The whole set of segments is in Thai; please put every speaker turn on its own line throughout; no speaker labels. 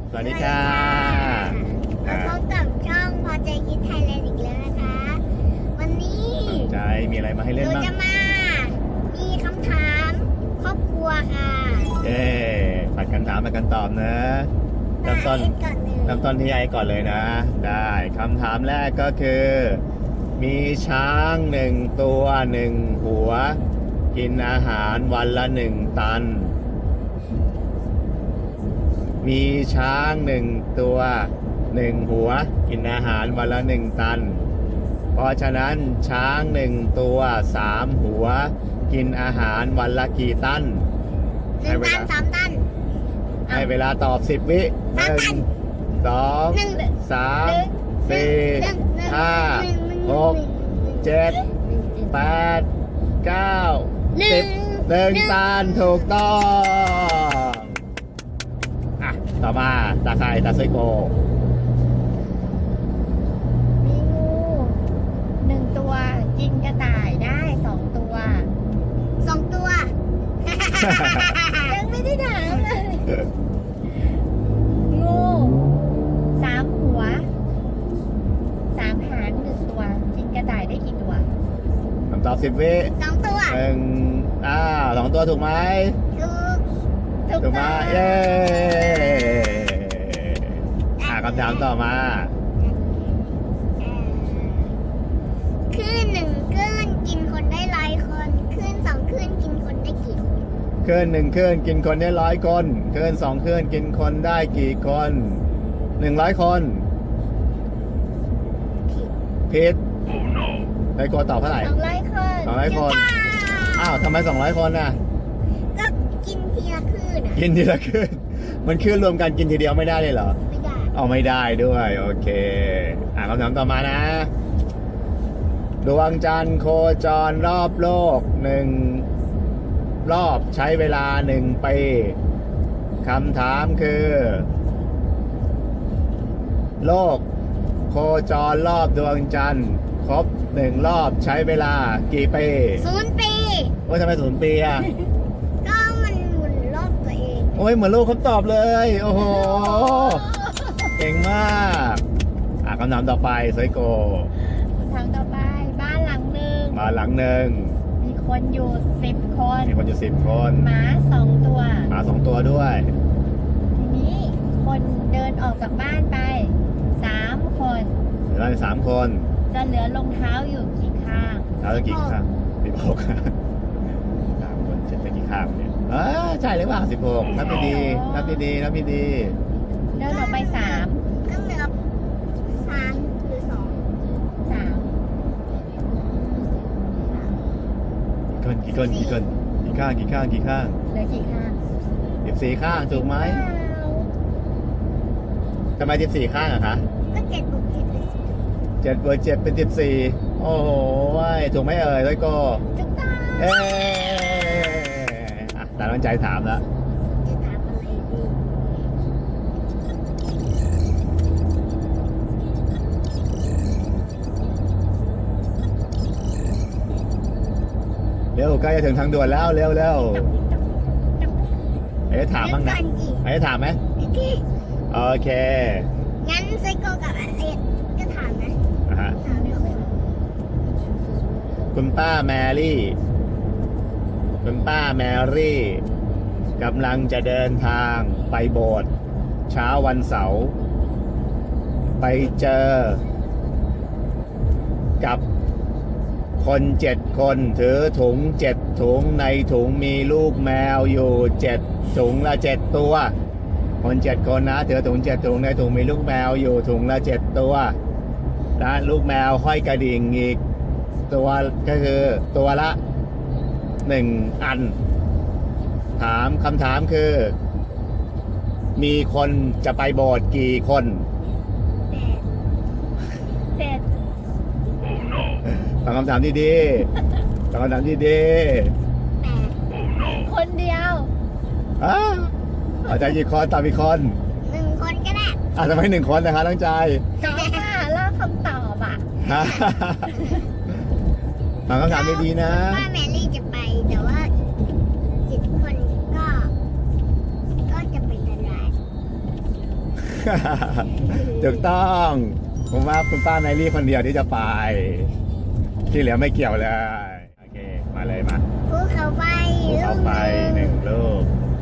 สวัสดีค่ะ
มาพบกับช่องพอใจคิดไทยแลนด์อีกแล้วนะคะ วันนี้
ใจมีอะไรมาให้เล่น
เรา
บ้าง
จะมีคำถามครอบครัวค่ะ
ผัดกันถามผัดกันตอบนะเริ่มต้น
ก่อนเลย
เริ่มต้นที่ไอ้ก่อนเลยนะ ได้คำถามแรกก็คือ มีช้าง1 ตัว 1 หัว กินอาหารวันละ1 ตัน มีช้าง1 ตัว 1 หัว กินอาหารวันละ1 ตัน เพราะฉะนั้นช้าง1 ตัว 3 หัว กินอาหารวันละกี่ตัน
1 ตัน 3 ตัน
ให้เวลาตอบ10 วิ
3 ตัน
1 2 3 4 5 6 7 8 9 10 1 ตันถูกต้องอ่ะต่อมาตาใครตาไซโก
มีงู1 ตัวกินกระต่ายได้2 ตัว
2 ตัว
ยังไม่ได้ถามเลยงู3 หัว3 หาง1 ตัวกินกระต่ายได้กี่ตัว
คำตอบ10 วิ
2 ตัว
2 ตัวถูกไหม ถูกไหมเย้คำถามต่อมา
คลื่น1 คลื่นกินคนได้100 คนคลื่น2 คลื่นกินคนได้กี่คน
คลื่น1 คลื่นกินคนได้100 คนคลื่น2 คลื่นกินคนได้กี่คน100 คนผิดไซโกตอบเท่าไหร่
200 คน
200 คน อ้าวทำไม200 คนน่ะ
ก็กินทีละคลื่นอ่ะ
กินทีละคลื่นมันคลื่นรวมกันกินทีเดียวไม่ได้เลยเหรอ
ไม่ได้
เอาไม่ได้ด้วย โอเคคำถามต่อมานะ ดวงจันทร์โคจรรอบโลก1 รอบใช้เวลา1 ปีคำถามคือ โลกโคจรรอบดวงจันทร์ครบ1 รอบใช้เวลากี่ปี
0 ปี
โอ้ยทำไม0 ปีอ่ะ
ก็มันหมุนรอบตัวเอง
โอ้ยเหมือนลูกเขาตอบเลย โอ้โห เก่งมากคำถามต่อไปไซโก
คำถามต่อไปบ้านหลังหนึ่ง
มาหลังหนึ่ง
มีคนอยู่10 คน
มีคนอยู่10 คน
หมา2 ตัว
หมา2 ตัวด้วย
ทีนี้คนเดินออกจากบ้านไป3 คน
เหลืออยู่3 คน
จะเหลือรองเท้าอยู่กี่ข้าง
แล้วจะกี่ข้าง16 3 คนจะเป็นกี่ข้างเนี่ยใช่หรือเปล่า16นับดีๆนับดีๆนับดี
เดินออกไป3
ก็เหลือ3 หรือ
ๆกี่คนกี่ข้าง
เหลือกี่ข้าง
14 ข้างถูกไหม
เปล่า
ทำไม14 ข้างอะคะ
2 ก็7 บวก 7 เป็น
7 บวก 7 เป็น 14 โอ้โหถูกไหมเอ่ยไซโก
จุกตา
เอ๊ตาตั้งใจถามแล้ว
10จะถามอะไรดี
เร็วใกล้จะถึงทางด่วนแล้วเร็วถามบ้างนะ
เดี๋ยวก่อนสิ
ถามไหม
โอเค
โอเค
งั้นไซโกกับอเล็กก็ถามนะ
อ่ะฮะ
ถามไม่ค่อยรู้
คุณป้าแมรี่กำลังจะเดินทางไปโบสถ์เช้าวันเสาร์ไปเจอกับคน7 คนถือถุง7 ถุงในถุงมีลูกแมวอยู่7 ถุงละ7 ตัวคน7 คนนะถือถุง7 ถุงในถุงมีลูกแมวอยู่ถุงละ7 ตัวและลูกแมวห้อยกระดิ่งอีกตัวก็คือตัวละ1 อันคำถามคือ มีคนจะไปโบสถ์กี่คน
แต่
7
ตอบคำถามดีๆตอบคำถามดี
แต่
คนเดียว
ๆเอาใจกี่คนตอบอีกคน
1 คนก็ได้
ทำไม1 คนนะคะตั้งใจ
ก็ว่าล่าคำตอบอ่ะ
ตอบคำถามดีๆนะ
ว่าแมรี่จะไปแต่ว่า7 คนก็จะเป็นอะไร
ถูกต้อง ผมว่าคุณป้าไนลี่คนเดียวที่จะไป ที่เหลือไม่เกี่ยวเลย โอเค มาเลยมา
ภูเขาไฟ
ภูเขาไฟหนึ่งลูก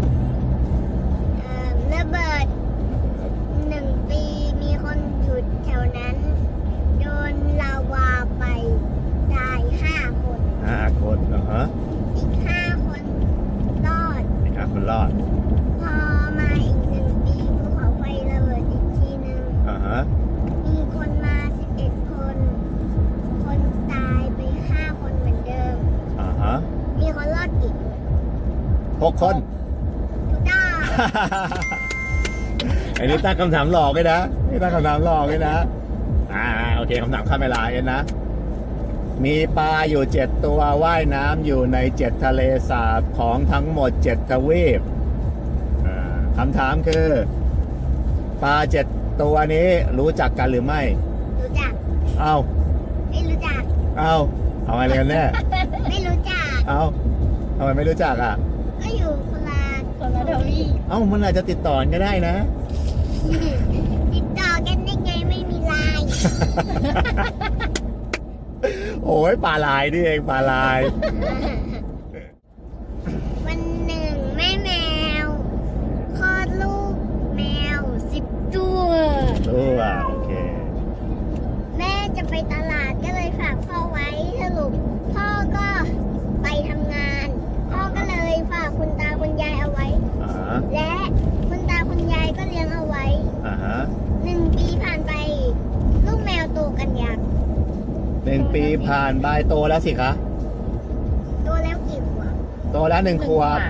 ระเบิด1 ปีมีคนอยู่แถวนั้น โดนลาวาไปตาย5 คน
5 คนเหรอฮะ
อีก5 คนรอด
นี่ครับคุณรอด
พอมาอีก1 ปีภูเขาไฟระเบิดอีกทีหนึ่ง
อ่าฮะ
มีคนมา11 คน คนตายไป5 คนเหมือนเดิม
อ่าฮะ
มีคนรอดกี่คน
6 คน
ถูกต้อง
อันนี้ตั้งคำถามหลอกเลยนะนี่ตั้งคำถามหลอกเลยนะ โอเคคำถามข้ามเวลาเอ็นนะ มีปลาอยู่7 ตัวว่ายน้ำอยู่ใน7 ทะเลสาบของทั้งหมด7 ทวีปคำถามคือ ปลา7 ตัวนี้รู้จักกันหรือไม่
รู้จัก
เอา
ไม่รู้จัก
เอาอะไรกันแน่
ไม่รู้จัก
เอาทำไมไม่รู้จักอ่ะ
ก็อยู่คนละ
คนละทวีป
มันอาจจะติดต่อกันก็ได้นะ
ติดต่อกันได้ไงไม่มีไลน์
โอ้ยปลาลายนี่เองปลาลาย
วันหนึ่งแม่แมวคลอดลูกแมว10 ตัว
ตัวโอเค
แม่จะไปตลาดก็เลยฝากพ่อไว้สรุปพ่อก็ไปทำงาน พ่อก็เลยฝากคุณตาคุณยายเอาไว้
อ่าฮะ
และคุณตาคุณยายก็เลี้ยงเอาไว้
อ่าฮะ
1 ปีผ่านไป ลูกแมวโตกันยัง
1 ปีผ่านไปโตแล้วสิคะ
โตแล้วกี่ขวบ
โตแล้ว1 ขวบ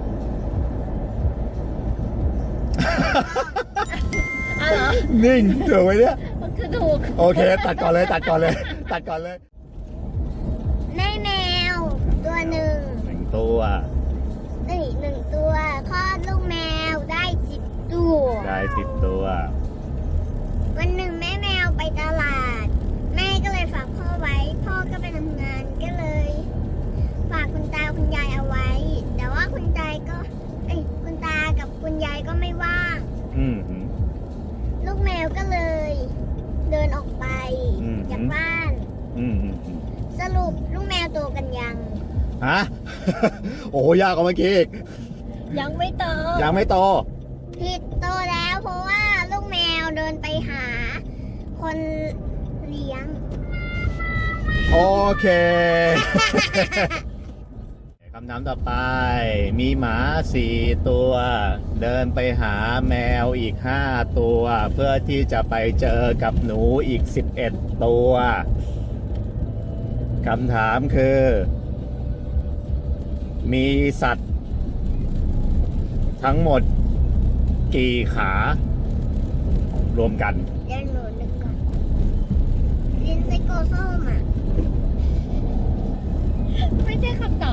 อ้าวเหรอ
นิ่งถูกไหมเนี่ย
มันคือถูก
โอเค ตัดก่อนเลย ตัดก่อนเลย ตัดก่อนเลย
แม่แมวตัวหนึ่ง
1 ตัว
1 ตัวคลอดลูกแมวได้10 ตัว
ได้10 ตัว
วันหนึ่งแม่แมวไปตลาด แม่ก็เลยฝากพ่อไว้ พ่อก็ไปทำงานก็เลย ฝากคุณตาคุณยายเอาไว้ แต่ว่าคุณตาคุณตากับคุณยายก็ไม่ว่าง
อืม
ลูกแมวก็เลย เดินออกไป
อืม
จากบ้าน
อืม
สรุปลูกแมวโตกันยัง
ฮะ โอ้โหยากกว่าเมื่อกี้อีก
ยังไม่โต
ยังไม่โต
ผิดโตแล้วเพราะว่าลูกแมวเดินไปหา คนเลี้ยง
โอเค คำถามต่อไป มีหมา4 ตัว เดินไปหาแมวอีก5 ตัว เพื่อที่จะไปเจอกับหนูอีก11 ตัว คำถามคือ มีสัตว์ ทั้งหมดกี่ขา รวมกัน
เดี๋ยวหนูนึกก่อนลินไซโกส้มอ่ะ
ไม่ใช่คำตอบ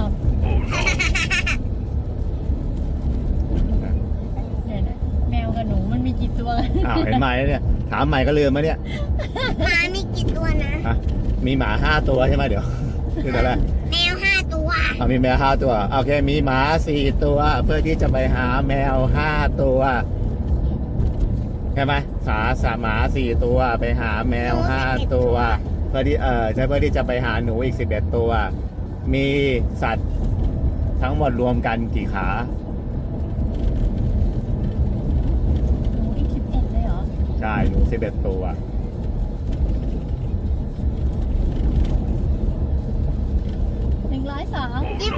เดี๋ยวนะแมวกับหนูมันมีกี่ตัวกัน
เห็นไหมเนี่ย ถามใหม่ก็ลืมไหมเนี่ย
หมามีกี่ตัวนะ
ฮะมีหมา5 ตัวใช่ไหมเดี๋ยว คืออะไร
แมว5 ตัว
มีแมว5 ตัว โอเค มีหมา4 ตัว เพื่อที่จะไปหาแมว5 ตัว ใช่ไหมหมา4 ตัว ไปหาแมว5 ตัว เพื่อที่ใช่เพื่อที่จะไปหาหนูอีก11 ตัว มีสัตว์ทั้งหมดรวมกันกี่ขา
หนูอีก11เลยเหรอ
ใช่ หนู11 ตัว
102
โอ้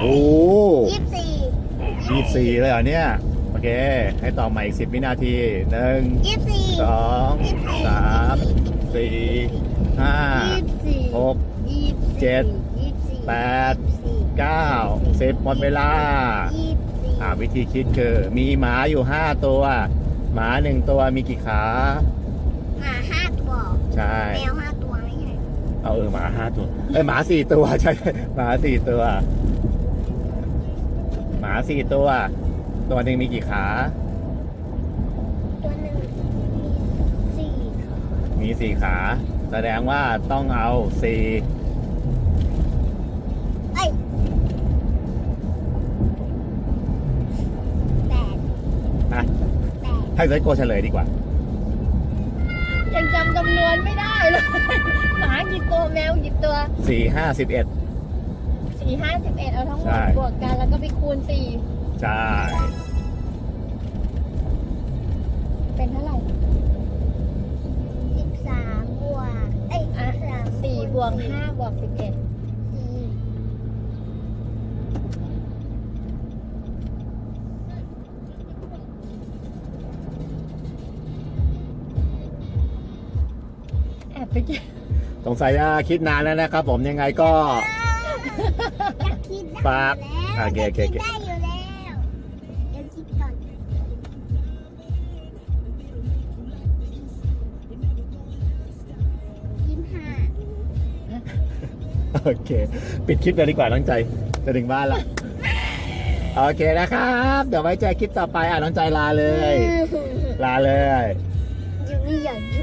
24
24เลยเหรอเนี่ย โอเค ให้ต่อใหม่อีก10 วินาที 1 2 3 4 5 6 7 8 9 10 หมดเวลา วิธีคิดคือ มีหมาอยู่5 ตัว หมา1 ตัวมีกี่ขา
หมา5 ตัว
ใช่
แมว5 ตัวไม่ใช่
หมา5 ตัวหมา4 ตัว ใช่ หมา4 ตัว หมา4 ตัว ตัวหนึ่งมีกี่ขา
ตัวหนึ่งมี4 ขา
มี4 ขา แสดงว่าต้องเอา4
เอ้ย8
ให้เซโกเฉลยดีกว่า
8
ยังจำจำนวนไม่ได้เลย หมากี่ตัวแมวกี่ตัว
4 5 11
4 5 11เอาทั้งหม
ใช่
ดบวกกันแล้วก็ไปคูณ
ใช่
4เป็นเท่าไหร่
13 บวก เอ้ย
อ่ะ
13
4บวก5บวก11 แอบไปกิน
สงสัยจะคิดนานแล้วนะครับผมยังไงก็
จะคิดได้
ฝาก
แล้ว
โอเคโอเค
จะคิดได้อยู่แล้วเดี๋ยวคิดก่อน25
โอเค ปิดคลิปเลยดีกว่าน้องใจจะถึงบ้านแล้วโอเคนะครับ เดี๋ยวไว้เจอคลิปต่อไปน้องใจลาเลย ลาเลย
ยังไม่อยากหยุด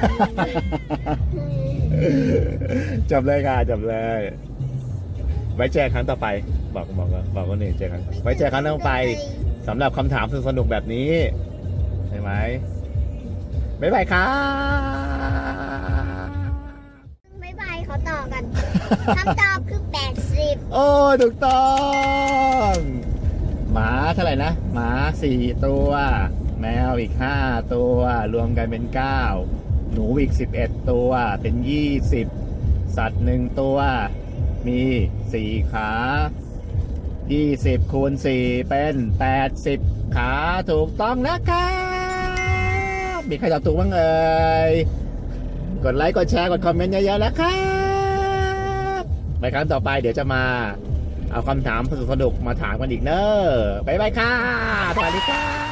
จบเลยค่ะจบเลย ไว้เจอครั้งต่อไป บอกว่านี่เจอครั้งไว้เจอครั้งต่อไปสำหรับคำถามสนุกๆแบบนี้ใช่ไหมบ๊ายบายครับ
บ๊ายบายเขาต่อกัน คำตอบคือ 80
โอ้ถูกต้องหมาเท่าไหร่นะหมา4 ตัว แมวอีก5 ตัว รวมกันเป็น 9 หนูอีก11 ตัวเป็น20 สัตว์1 ตัว มี4 ขา 20 คูณ 4 เป็น 80 ขาถูกต้องนะครับมีใครตอบถูกบ้างเอ่ยกดไลค์กดแชร์กดคอมเมนต์เยอะๆนะครับในครั้งต่อไปเดี๋ยวจะมาเอาคำถามสนุกๆมาถามกันอีกเนอะบ๊ายบายค่ะสวัสดีค่ะ